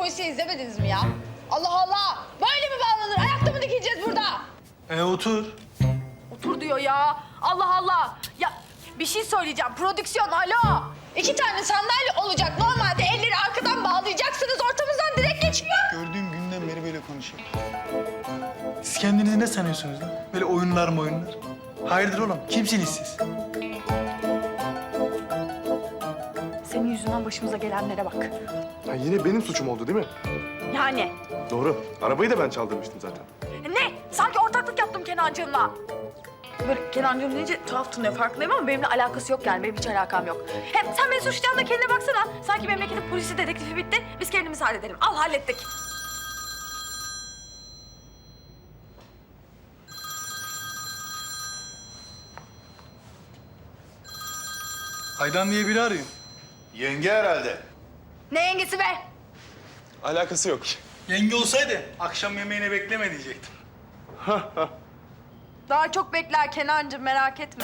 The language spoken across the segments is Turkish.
polisiye izlemediniz mi ya? Allah Allah! Böyle mi bağlanır? Ayakta mı dikileceğiz burada? Otur. Otur diyor ya. Allah Allah! Ya bir şey söyleyeceğim. Prodüksiyon, alo! 2 tane sandalye olacak. Normalde elleri arkadan bağlayacaksınız. Ortamızdan direkt geçiyor. Gördüğüm günden beri böyle konuşuyor. Siz kendinizi ne sanıyorsunuz lan? Böyle oyunlar mı oyunlar? Hayırdır oğlum? Kimsiniz siz? Senin yüzünden başımıza gelenlere bak. Ya yine benim suçum oldu değil mi? Yani Doğru. Arabayı da ben çaldırmıştım zaten. ne? Sanki ortaklık yaptım Kenancığımla. Böyle Kenancığım deyince tuhaf tınlıyor farkındayım ama benimle alakası yok yani. Benim hiç alakam yok. Hem sen beni suçlayan da kendine baksana. Sanki memleketin polisi dedektifi bitti. Biz kendimiz halledelim. Al hallettik. Aydan diye biri arıyor. Yenge herhalde. Ne yengesi be? Alakası yok. Yenge olsaydı akşam yemeğine bekleme diyecektim. Daha çok bekler Kenancığım merak etme.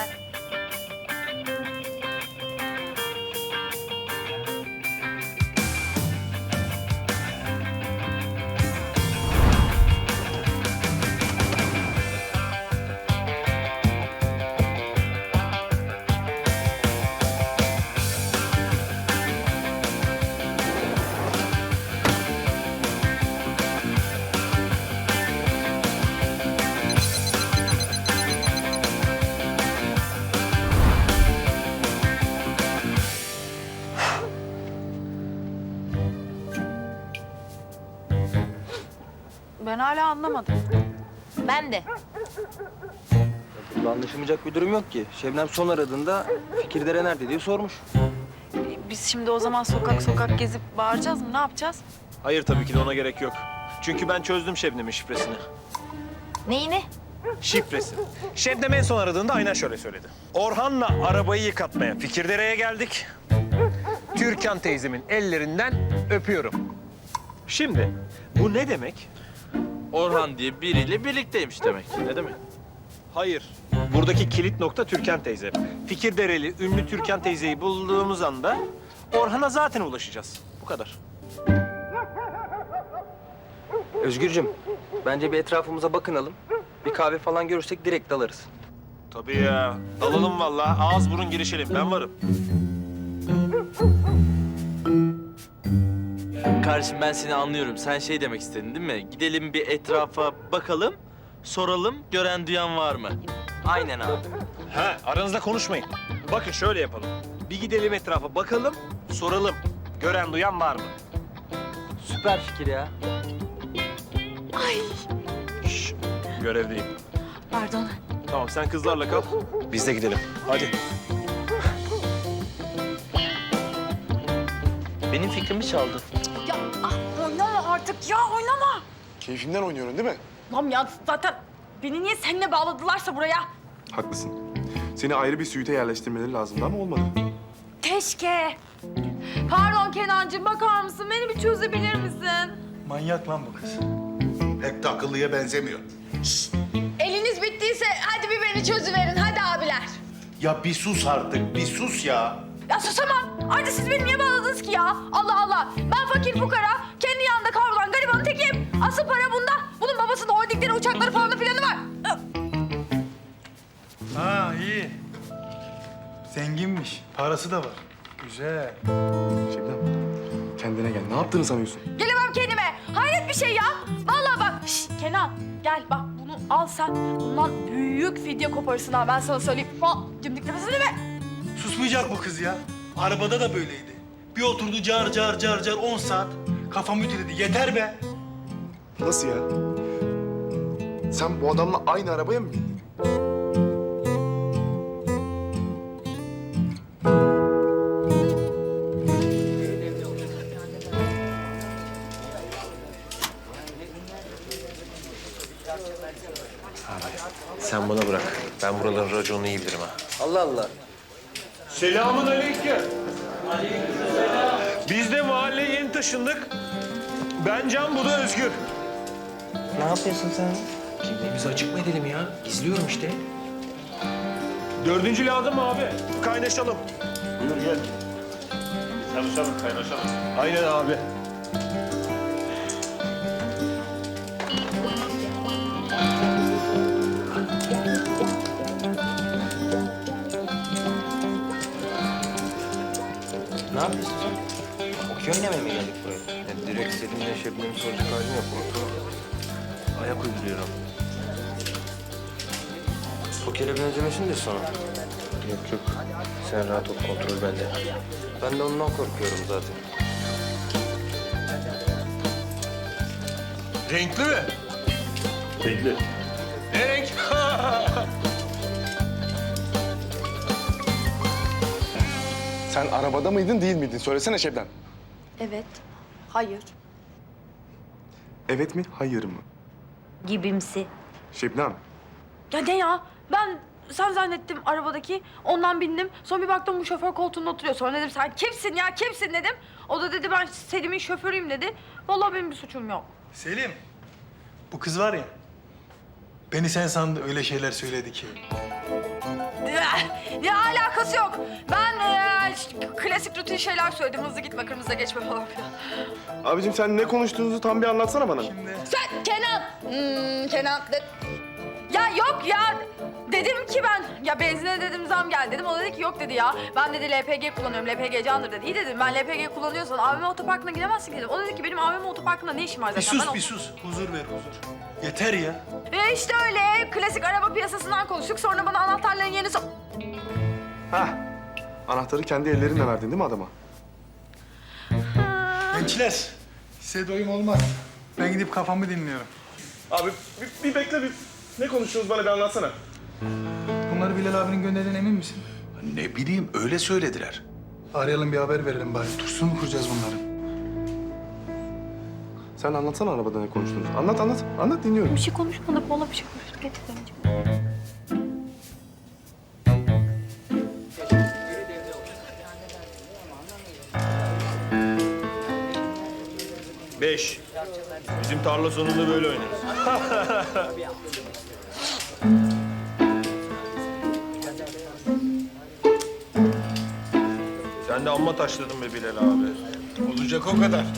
Ben hala anlamadım. Ben de. Burada anlaşılmayacak bir durum yok ki. Şebnem son aradığında Fikirdere nerede diye sormuş. Biz şimdi o zaman sokak sokak gezip bağıracağız mı? Ne yapacağız? Hayır tabii ki de ona gerek yok. Çünkü ben çözdüm Şebnem'in şifresini. Neyini? Şifresi. Şebnem en son aradığında aynen şöyle söyledi. Orhan'la arabayı yıkatmaya Fikirdere'ye geldik. Türkan teyzemin ellerinden öpüyorum. Şimdi bu ne demek? Orhan diye biriyle birlikteymiş demek. Ne demek? Hayır. Buradaki kilit nokta Türkan teyze. Fikirdereli ünlü Türkan teyzeyi bulduğumuz anda Orhan'a zaten ulaşacağız. Bu kadar. Özgürcüm, bence bir etrafımıza bakınalım. Bir kahve falan görürsek direkt dalarız. Tabii ya. Dalalım vallahi. Ağız burun girişelim. Ben varım. Kardeşim ben seni anlıyorum. Sen şey demek istedin değil mi? Gidelim bir etrafa bakalım, soralım gören duyan var mı? Aynen abi. Ha, aranızda konuşmayın. Bakın şöyle yapalım. Bir gidelim etrafa bakalım, soralım. Gören duyan var mı? Süper fikir ya. Şşş, görevdeyim. Pardon. Tamam, sen kızlarla kal. Biz de gidelim. Hadi. Benim fikrimi çaldı. Ya oynama artık ya oynama. Keyfinden oynuyorum değil mi? Lan ya zaten beni niye seninle bağladılarsa buraya? Haklısın. Seni ayrı bir suite yerleştirmeleri lazımdı ama olmadı. Keşke. Pardon Kenancığım bakar mısın? Beni bir çözebilir misin? Manyak lan bu kız. Pek de akıllıya benzemiyor. Eliniz bittiyse hadi bir beni çözüverin hadi abiler. Ya bir sus artık, bir sus ya. Ya susamam. Ayrıca siz beni niye bağladınız ki ya? Allah Allah. Ben fakir fukara, kendi yanında kavrulan garibanın tekiyim. Asıl para bunda. Bunun babasının holdingleri, uçakları falan da filanı var. Ha iyi. Zenginmiş. Parası da var. Güzel. Şebnem, kendine gel. Ne yaptığını sanıyorsun? Gelemem kendime. Hayret bir şey ya. Vallahi bak. Şşt, Kenan gel bak bunu al sen. Bundan büyük fidye koparırsın ha ben sana söyleyeyim. Cimdik nefesini mi? Susmayacak bu kız ya. Arabada da böyleydi. Bir oturdu car car car car 10 saat. Kafam ütüledi. Yeter be. Nasıl ya? Sen bu adamla aynı arabaya mı bindin? Sen bana bırak. Ben buraların raconunu iyi bilirim ha. Allah Allah. Selamun aleyküm. Biz de mahalleye yeni taşındık. Ben Can, bu da Özgür. Ne yapıyorsun sen? Kimliğimizi açık mı edelim ya? Gizliyorum işte. Dördüncü lazım mı abi? Kaynaşalım. Buyur gel. Tanışalım, kaynaşalım. Aynen abi. Ne yapıyorsun sen? Okey oynamaya mı geldik buraya? Yani direkt Selim'le Şebnem'i soracak halim yok. Ortalığa ayak uyduruyorum. Pokere benzemesin de sonra. Yok yok. Sen rahat ol, kontrol bende. Ben de ondan korkuyorum zaten. Renkli mi? Renkli. Ne renk? Sen arabada mıydın değil miydin? Söylesene Şebnem. Evet. Hayır. Evet mi, hayır mı? Gibimsi. Şebnem. Ya ne ya? Ben sen zannettim arabadaki. Ondan bindim. Sonra bir baktım bu şoför koltuğunda oturuyor. Sonra dedim sen kimsin ya kimsin dedim. O da dedi ben Selim'in şoförüyüm dedi. Vallahi benim bir suçum yok. Selim, bu kız var ya, beni sen sandı öyle şeyler söyledi ki. Ya alakası yok. Ben klasik rutin şeyler söyledim. Hızlı gitme, kırmızıda geçme falan filan. Abicim sen ne konuştuğunuzu tam bir anlatsana bana. Sen Kenan. Kenan. Ya yok ya. Dedim ki ben, ya benzine dedim zam geldi dedim. O dedi ki yok dedi ya. Ben dedi LPG kullanıyorum, LPG candır dedi. İyi dedim ben LPG kullanıyorsan AVM otoparkına gidemezsin dedim. O dedi ki benim AVM otoparkında ne işim var Bir zaten. sus, bir sus. Huzur ver, huzur. Yeter ya. İşte öyle klasik araba piyasasından konuştuk. Sonra bana anahtarların yerini Hah. Anahtarı kendi ellerinle verdin değil mi adama? Gençler, size doyum olmaz. Ben gidip kafamı dinliyorum. Abi bir bekle bir. Ne konuştunuz bana bir anlatsana. Bunları Bilal abinin gönderdiğine emin misin? Ne bileyim öyle söylediler. Arayalım bir haber verelim bari. Tursun mu kuracağız bunları? Sen anlatsana arabada ne konuştunuz. Anlat dinliyorum. Bir şey konuşmadık. Vallahi bir şey konuştuk. Getirdim. 5. Bizim tarla sonunda böyle oynarız. Sen de amma taşladın be Bilal abi. Olacak o kadar.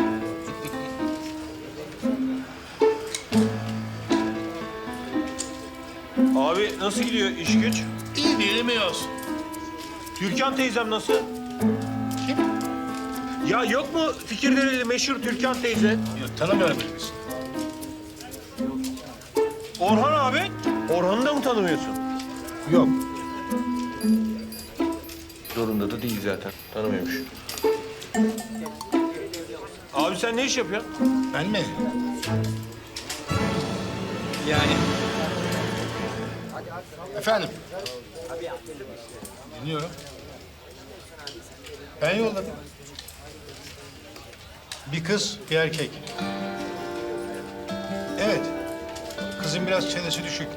Abi nasıl gidiyor iş güç? İyi bilmiyoruz. Türkan teyzem nasıl? Kim? Ya yok mu Fikirdereli meşhur Türkan teyze? Yok, tanımıyorum biz. Orhan abi. Orhan'ı da mı tanımıyorsun? Yok. Zorunda da değil zaten. Tanımıyormuş. Abi sen ne iş yapıyorsun? Ben mi? Yani. Efendim? Dinliyorum. Ben yolladım. Bir kız, bir erkek. Evet. Kızın biraz çenesi düşük.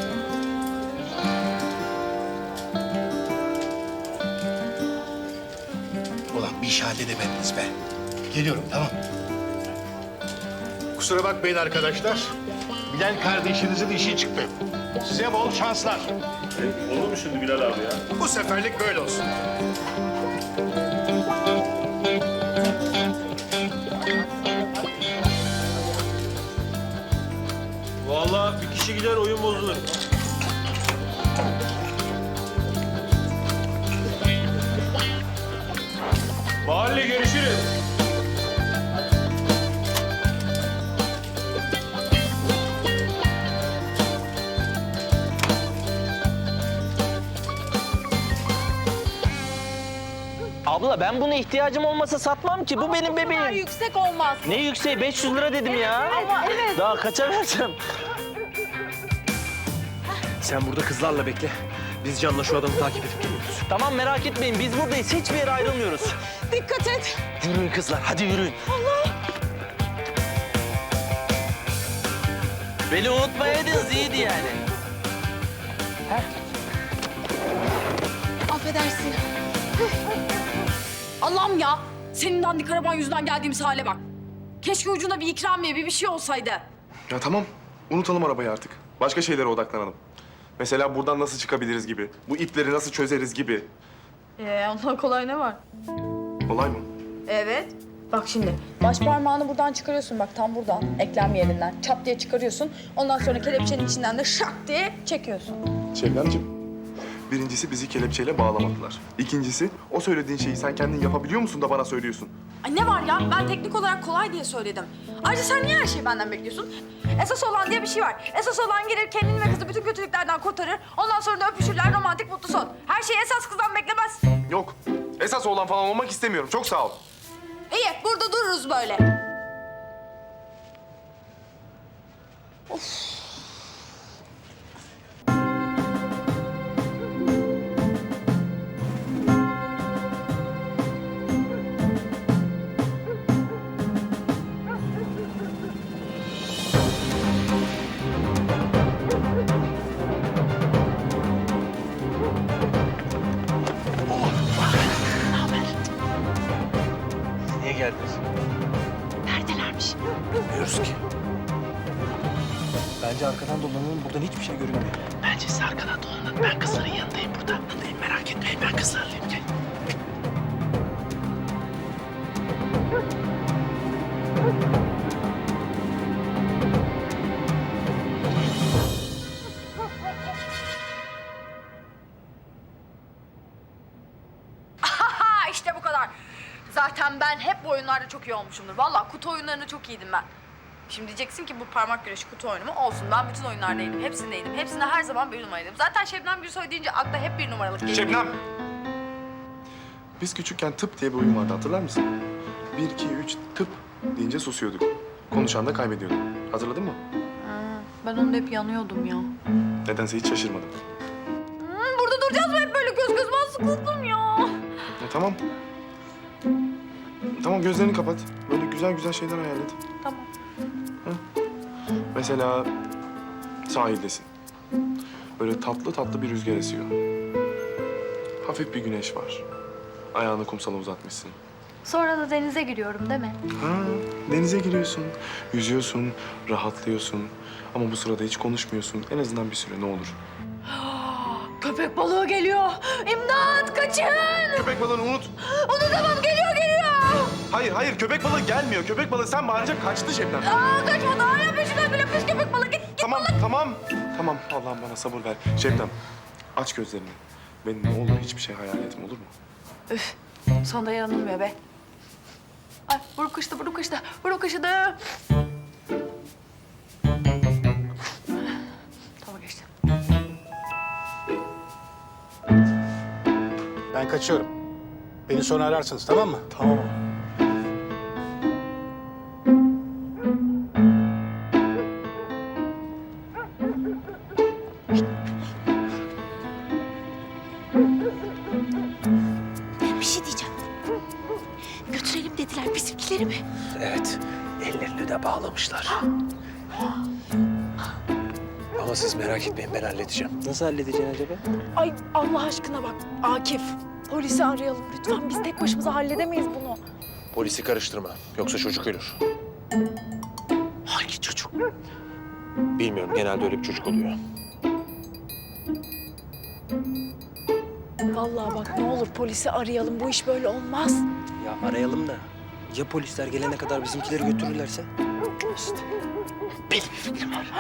Ulan bir iş halledemediniz be. Geliyorum, tamam. Kusura bakmayın arkadaşlar. Bilal kardeşinizin işi çıktı. Size bol şanslar. Olur mu şimdi Bilal abi ya? Bu seferlik böyle olsun. Vallahi bir kişi gider oyun bozulur. Mahalle görüşürüz. Abla ben buna ihtiyacım olmasa satmam ki. Bu benim bebeğim. Yüksek olmaz. Ne yükseği? 500 lira dedim ya. Ama evet. Daha kaça vereceğim? Sen burada kızlarla bekle. Biz Can'la şu adamı takip edip geliyoruz. Tamam merak etmeyin. Biz buradayız. Hiçbir yere ayrılmıyoruz. Dikkat et. Yürüyün kızlar. Hadi yürüyün. Beni unutmayaydınız iyiydi yani. Affedersin. Allah'ım ya. Senin dandik araban yüzünden geldiğimiz hale bak. Keşke ucunda bir ikramiye, bir şey olsaydı. Ya tamam. Unutalım arabayı artık. Başka şeylere odaklanalım. Mesela buradan nasıl çıkabiliriz gibi. Bu ipleri nasıl çözeriz gibi. Ondan kolay ne var? Olay mı? Evet. Bak şimdi baş parmağını buradan çıkarıyorsun bak tam buradan eklem yerinden çat diye çıkarıyorsun. Ondan sonra kelepçenin içinden de şak diye çekiyorsun. Şebnemciğim, Birincisi bizi kelepçeyle bağlamadılar. İkincisi o söylediğin şeyi sen kendin yapabiliyor musun da bana söylüyorsun? Ay ne var ya? Ben teknik olarak kolay diye söyledim. Ayrıca sen niye her şeyi benden bekliyorsun? Esas olan diye bir şey var. Esas olan gelir kendini ve kızı bütün kötülüklerden kurtarır. Ondan sonra da öpüşürler, romantik mutlu son. Her şeyi esas kızdan beklemez. Yok. Esas olan falan olmak istemiyorum. Çok sağ ol. İyi, burada dururuz böyle. Niye geldiniz? Neredelermiş? Bilmiyoruz ki. Bence arkadan dolanalım. Buradan hiçbir şey görünmüyor. Bence siz arkadan dolanın. Ben kızların yanındayım burada. Buradayım, merak etmeyin. Ben kızlarlayım. Gel. Ha işte bu kadar. Zaten ben hep bu oyunlarda çok iyi olmuşumdur. Vallahi kutu oyunlarında çok iyiydim ben. Şimdi diyeceksin ki bu parmak güreşi kutu oyunu mu? Olsun, ben bütün oyunlardaydım, hepsindeydim. Hepsinde her zaman bir numaraydım. Zaten Şebnem Gürsoy deyince akla hep bir numaralık geliyor. Şebnem! Biz küçükken tıp diye bir oyun vardı, hatırlar mısın? 1, 2, 3 tıp deyince susuyorduk. Konuşan da kaybediyorduk. Hatırladın mı? Ben onda hep yanıyordum ya. Nedense hiç şaşırmadım. Burada duracağız mı hep böyle göz göz? Ben sıkıldım ya. Tamam. Tamam, gözlerini kapat. Böyle güzel güzel şeyler hayal et. Tamam. Mesela sahildesin. Böyle tatlı tatlı bir rüzgar esiyor. Hafif bir güneş var. Ayağını kumsala uzatmışsın. Sonra da denize giriyorum değil mi? Ha, denize giriyorsun, yüzüyorsun, rahatlıyorsun. Ama bu sırada hiç konuşmuyorsun. En azından bir süre, ne olur. Köpek balığı geliyor. İmdat, kaçın. Köpek balığını unut. Unutamam, geliyor. Hayır, hayır. Köpek balığı gelmiyor. Köpek balığı sen bağırınca kaçtı Şebnem. Kaçmadı. Hala peşinden bile pis köpek balığı. Git. Tamam, tamam. Tamam, Allah'ım bana sabır ver. Şebnem, aç gözlerini. Benim ne olur hiçbir şey hayal etme, olur mu? Üf, sana da yanılmıyor be. Ay, buruk kaşıdı. Tamam, geçti. Ben kaçıyorum. Beni sonra ararsınız, tamam mı? Tamam. Bir şey diyeceğim. Götürelim dediler bizimkileri mi? Evet. Ellerini de bağlamışlar. Ama siz merak etmeyin, ben halledeceğim. Nasıl halledeceksin acaba? Ay Allah aşkına bak Akif. Polisi arayalım lütfen. Biz tek başımıza halledemeyiz bunu. Polisi karıştırma. Yoksa çocuk ölür. Hangi çocuk? Bilmiyorum, genelde öyle bir çocuk oluyor. Vallahi bak ne olur polisi arayalım. Bu iş böyle olmaz. Ya arayalım da ya polisler gelene kadar bizimkileri götürürlerse? Benim bir fikrim var.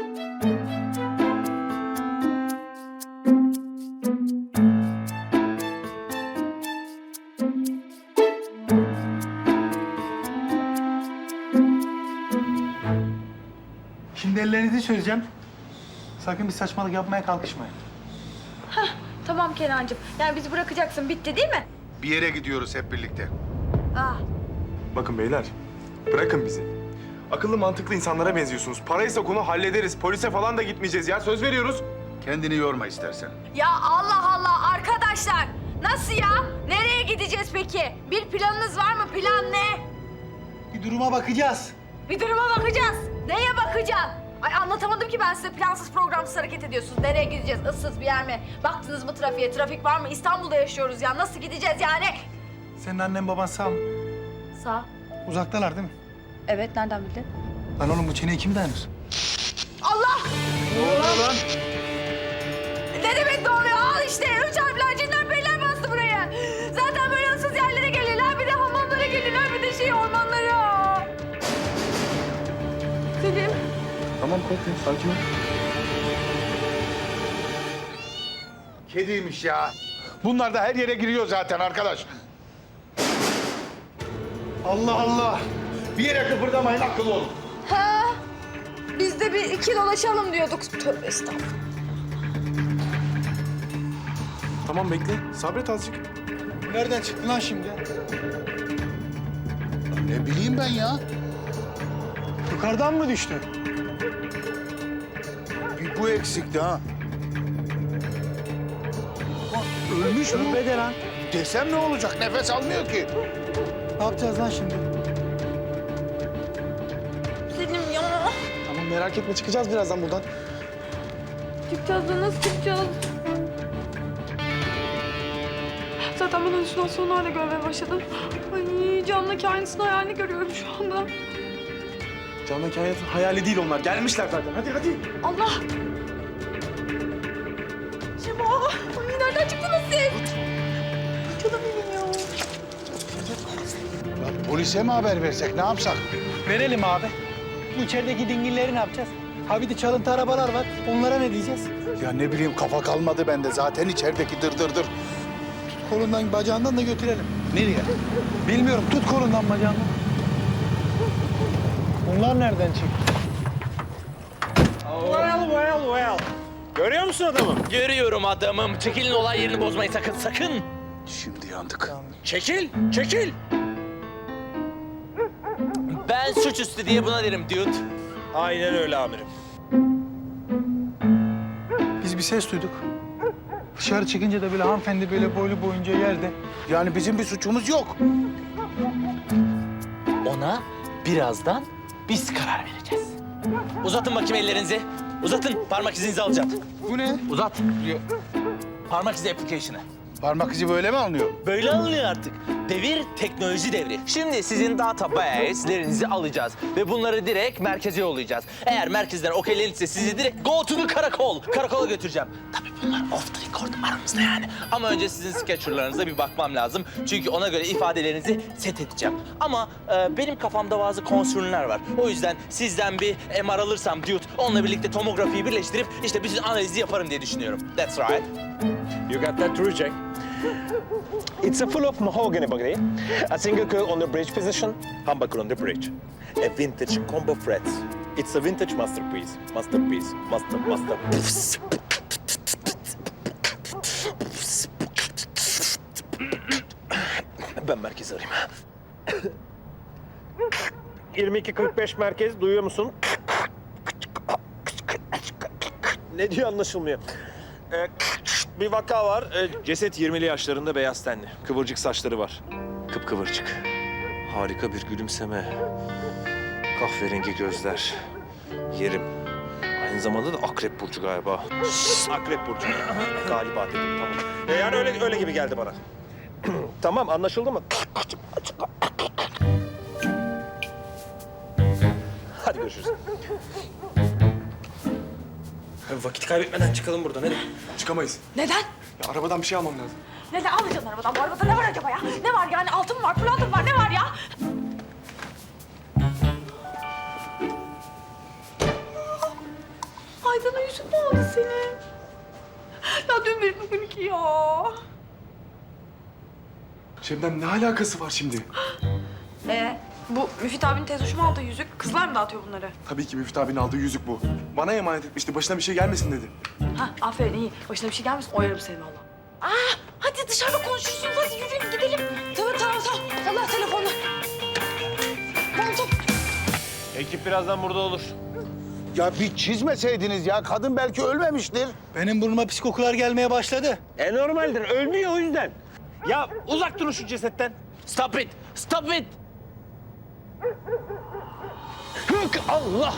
Şimdi ellerinizi çözeceğim. Sakın bir saçmalık yapmaya kalkışmayın. Tamam Kenancığım. Yani bizi bırakacaksın. Bitti değil mi? Bir yere gidiyoruz hep birlikte. Ah. Bakın beyler, bırakın bizi. Akıllı mantıklı insanlara benziyorsunuz. Paraysa konu hallederiz. Polise falan da gitmeyeceğiz ya. Söz veriyoruz. Kendini yorma istersen. Ya Allah Allah arkadaşlar. Nasıl ya? Nereye gideceğiz peki? Bir planınız var mı? Plan ne? Bir duruma bakacağız. Bir duruma bakacağız. Neye bakacağız? Ay anlatamadım ki ben size, plansız programsız hareket ediyorsunuz. Nereye gideceğiz? Issız bir yer mi? Baktınız mı trafiğe? Trafik var mı? İstanbul'da yaşıyoruz ya. Nasıl gideceğiz yani? Senin annen baban sağ mı? Sağ. Uzaktalar değil mi? Evet, nereden bildin? Lan oğlum bu çeneye kim dayanır? Allah! Ne oluyor lan? Ne demek doğruyor? Al işte. 3 harfler, cinler, beyler bastı buraya. Zaten böyle ıssız yerlere gelirler. Bir de hamamlara gelirler. Bir de ormanlara. Selim. Tamam, korkma. Sakin ol. kediymiş ya. Bunlar da her yere giriyor zaten arkadaş. Allah Allah. Bir yere kıpırdamayın, akıllı olun. Ha, biz de bir iki dolaşalım diyorduk. Tövbe estağfurullah. Tamam bekle. Sabret azıcık. Nereden çıktı lan şimdi? Ne bileyim ben ya. Yukarıdan mı düştü? Bir bu eksikti ha. Ölmüş mü? Bede lan. Desem ne olacak? Nefes almıyor ki. Ne yapacağız lan şimdi? Selim ya. Tamam merak etme çıkacağız birazdan buradan. Çıkacağız da nasıl çıkacağız? Zaten ben halüsinasyonlar görmeye başladım. Ay camdaki aynısını hayalini görüyorum şu anda. Canlı kainatın hayali değil onlar. Gelmişler zaten. Hadi hadi. Allah! Şema! Ay nereden çıktınız siz? Canım benim ya. Ya polise mi haber versek, ne yapsak? Verelim abi. Bu içerideki dingilleri ne yapacağız? Ha bir de çalıntı arabalar var. Onlara ne diyeceğiz? Ya ne bileyim, kafa kalmadı bende. Zaten içerideki dır. Kolundan bacağından da götürelim. Nereye? Bilmiyorum. Tut kolundan bacağından. Bunlar nereden çıktı? Well. Görüyor musun adamı? Görüyorum adamım. Çekilin, olay yerini bozmayın sakın. Şimdi yandık. Çekil. Ben suçüstü diye buna derim dude. Aynen öyle amirim. Biz bir ses duyduk. Dışarı çıkınca da böyle hanımefendi böyle boylu boyunca yerde. Yani bizim bir suçumuz yok. Ona birazdan biz karar vereceğiz. Uzatın bakayım ellerinizi. Uzatın. Parmak izinizi alacağım. Bu ne? Uzat. Parmak izi application'ı. Parmak izi böyle mi alınıyor? Böyle alınıyor artık. Devir teknoloji devri. Şimdi sizin database'lerinizi alacağız ve bunları direkt merkeze yollayacağız. Eğer merkezden okeylenirse sizi direkt go to the karakol. Karakola götüreceğim. Tabii bunlar off the record aramızda yani. Ama önce sizin sketcherlarınıza bir bakmam lazım. Çünkü ona göre ifadelerinizi set edeceğim. Ama benim kafamda bazı konsürler var. O yüzden sizden bir MR alırsam dude, onunla birlikte tomografiyi birleştirip işte bütün analizi yaparım diye düşünüyorum. That's right. You got that true, Jack? It's a full of mahogany body, a single coil on the bridge position, humbucker on the bridge, a vintage combo frets. It's a vintage masterpiece. Master. Ben merkezi arayayım. 22:45 merkez, duyuyor musun? Ne diyor anlaşılmıyor. Bir vaka var. Ceset 20'li yaşlarında, beyaz tenli. Kıvırcık saçları var. Kıpkıvırcık. Harika bir gülümseme. Kahverengi gözler. Yerim. Aynı zamanda da akrep burcu galiba. Akrep burcu. Galiba dedim, tamam. Yani öyle gibi geldi bana. Tamam, anlaşıldı mı? Hadi görüşürüz. Vakit kaybetmeden çıkalım buradan, hadi. Çıkamayız. Neden? Ya arabadan bir şey almam lazım. Neden alacaksın arabadan? Bu arabada ne var acaba ya? Ne var yani? Altın mı var, pırlanta mı var? Ne var ya? Aydan'a yüzük mü aldı senin? Ya dün bir bugün iki ya. Şebnem ne alakası var şimdi? Bu Müfit abinin tez hoşuma aldığı yüzük. Kızlar mı dağıtıyor bunları? Tabii ki Müftü abinin aldığı yüzük bu. Bana emanet etmişti. Başına bir şey gelmesin dedi. Ha, aferin iyi. Başına bir şey gelmesin, oyarım seni valla. Hadi dışarıda konuşursunuz. Hadi yürüyün gidelim. Tamam. Allah telefonla. Tamam. Ekip birazdan burada olur. Ya bir çizmeseydiniz ya, kadın belki ölmemiştir. Benim burnuma pis kokular gelmeye başladı. Normaldir, ölmüyor o yüzden. Ya uzak durun şu cesetten. Stop it. Hık Allah!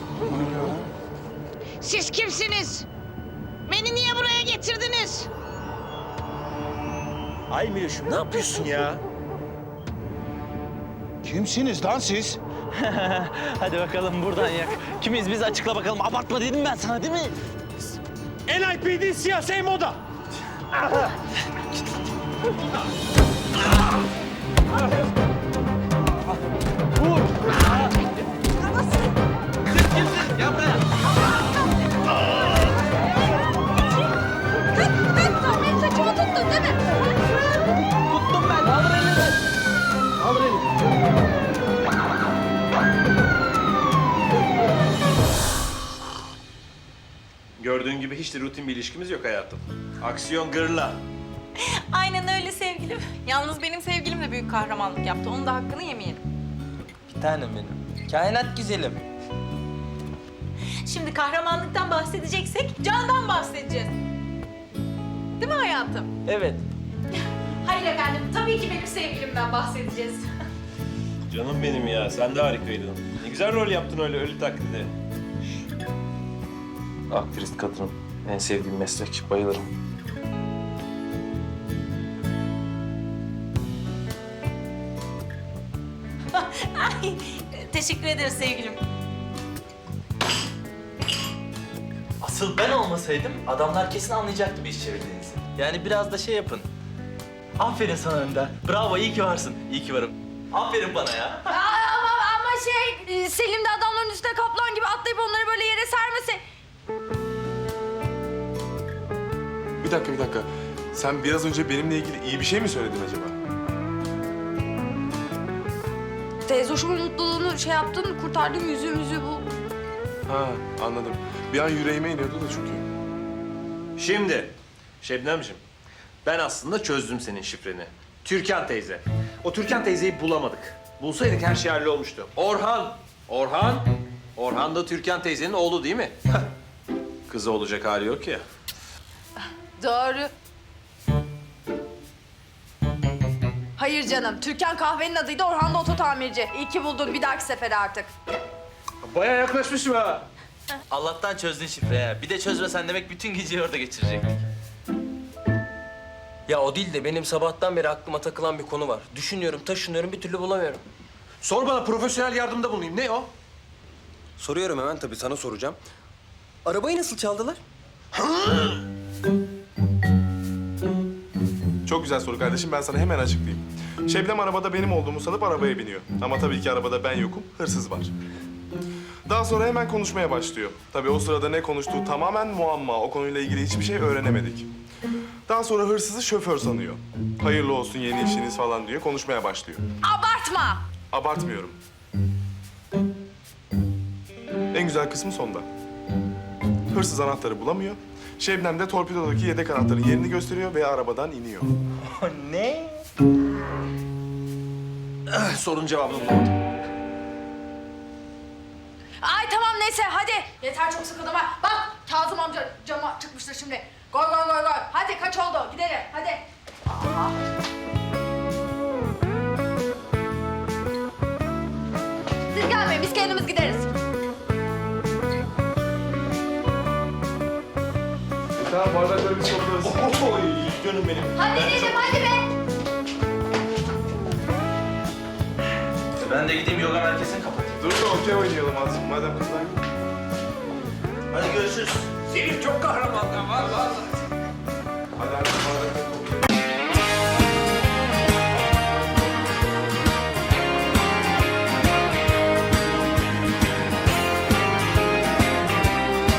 Siz kimsiniz? Beni niye buraya getirdiniz? Ay Miloş'um, ne yapıyorsun ya? Kimsiniz lan siz? Hadi bakalım buradan yak. Kimiz biz açıkla bakalım. Abartma dedim ben sana değil mi? NIPD siyasi moda. Kaç! hiç de rutin bir ilişkimiz yok hayatım. Aksiyon gırla. Aynen öyle sevgilim. Yalnız benim sevgilim de büyük kahramanlık yaptı. Onun da hakkını yemeyelim. Bir tanem benim. Kainat güzelim. Şimdi kahramanlıktan bahsedeceksek Can'dan bahsedeceğiz. Değil mi hayatım? Evet. Hayır efendim, tabii ki benim sevgilimden bahsedeceğiz. Canım benim ya, sen de harikaydın. Ne güzel rol yaptın öyle ölü taklidi. Aktrist kadın, en sevdiğim meslek, bayılırım. Ay, teşekkür ederiz sevgilim. Asıl ben olmasaydım adamlar kesin anlayacaktı bir iş çevirdiğinizi. Yani biraz da şey yapın. Aferin sana Önder. Bravo, iyi ki varsın. İyi ki varım. Aferin bana ya. Ama Selim de adamların üstüne kaplan gibi atlayıp onları böyle yere sermesi. Bir dakika. Sen biraz önce benimle ilgili iyi bir şey mi söyledin acaba? Teyze hoşumun mutluluğunu şey yaptın, kurtardın yüzüğümüzü bu. Ha, anladım. Bir an yüreğime iniyordu da çünkü. Şimdi Şebnemciğim, ben aslında çözdüm senin şifreni. Türkan teyze. O Türkan teyzeyi bulamadık. Bulsaydık her şey hallolmuştu. Orhan da Türkan teyzenin oğlu değil mi? Kızı olacak hali yok ya. Doğru. Hayır canım, Türkan kahvenin adıydı, Orhan da oto tamirci. İyi ki buldun, bir dahaki sefere artık. Bayağı yaklaşmışım ha. Allah'tan çözdün şifreyi ha. Bir de çözmesen demek bütün geceyi orada geçirecektik. Ya o değil de benim sabahtan beri aklıma takılan bir konu var. Düşünüyorum, taşınıyorum, bir türlü bulamıyorum. Sor bana, profesyonel yardımda bulunayım. Ne o? Soruyorum hemen tabii, sana soracağım. Arabayı nasıl çaldılar? Çok güzel soru kardeşim. Ben sana hemen açıklayayım. Şebnem arabada benim olduğumu sanıp arabaya biniyor. Ama tabii ki arabada ben yokum, hırsız var. Daha sonra hemen konuşmaya başlıyor. Tabii o sırada ne konuştuğu tamamen muamma. O konuyla ilgili hiçbir şey öğrenemedik. Daha sonra hırsızı şoför sanıyor. Hayırlı olsun yeni işiniz falan diyor. Konuşmaya başlıyor. Abartma! Abartmıyorum. En güzel kısmı sonda. Hırsız anahtarı bulamıyor. Şebnem de torpidodaki yedek anahtarın yerini gösteriyor ve arabadan iniyor. Ne? Sorunun cevabını bulamadım. Ay tamam neyse hadi. Yeter çok sıkıldım ha. Bak Kazım amca cama çıkmıştır şimdi. Goy. Hadi kaç oldu gidelim hadi. Aa. Siz gelmeyin biz kendimiz gideriz. Tamam bardakları biz toplarız. Oy, canım benim. Hadi dedim hadi be. Ben de gideyim yoga merkezini kapatayım. Dur da okey oynayalım azıcık madem kızlar. Hadi görüşürüz. Senin çok kahramanlığın var.